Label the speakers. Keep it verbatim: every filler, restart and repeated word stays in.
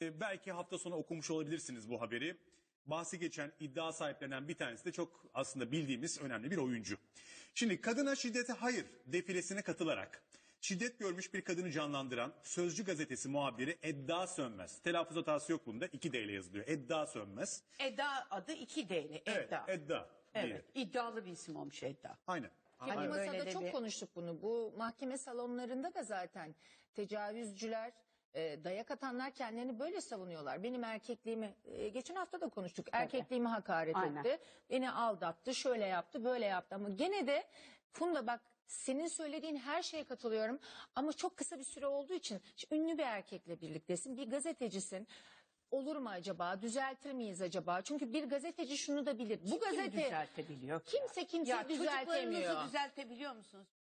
Speaker 1: E, belki hafta sonu okumuş olabilirsiniz bu haberi. Bahsi geçen, iddia sahiplenen bir tanesi de çok aslında bildiğimiz önemli bir oyuncu. Şimdi kadına şiddete hayır defilesine katılarak şiddet görmüş bir kadını canlandıran Sözcü gazetesi muhabiri Edda Sönmez. Telaffuz hatası yok bunda, iki D ile yazılıyor. Edda Sönmez.
Speaker 2: Eda adı iki D'li.
Speaker 1: Evet,
Speaker 2: Edda.
Speaker 1: Edda diye.
Speaker 2: Evet, iddialı bir isim olmuş Edda.
Speaker 1: Aynen.
Speaker 3: Ki
Speaker 2: Aynen.
Speaker 3: bu
Speaker 2: Böyle
Speaker 3: masada
Speaker 2: de
Speaker 3: çok
Speaker 2: bir-
Speaker 3: konuştuk bunu. Bu mahkeme salonlarında da zaten tecavüzcüler, e, dayak atanlar kendilerini böyle savunuyorlar. Benim erkekliğimi, e, geçen hafta da konuştuk. Erkekliğimi hakaret
Speaker 2: Aynen.
Speaker 3: etti. Beni aldattı, şöyle yaptı, böyle yaptı. Ama gene de Funda bak, senin söylediğin her şeye katılıyorum. Ama çok kısa bir süre olduğu için şimdi ünlü bir erkekle birliktesin. Bir gazetecisin. Olur mu acaba? Düzeltir miyiz acaba? Çünkü bir gazeteci şunu da bilir. Bu
Speaker 2: Kim
Speaker 3: gazete
Speaker 2: düzeltebiliyor ki?
Speaker 3: kimse kimse
Speaker 2: Ya
Speaker 3: düzeltemiyor.
Speaker 2: çocuklarınızı düzeltebiliyor musunuz?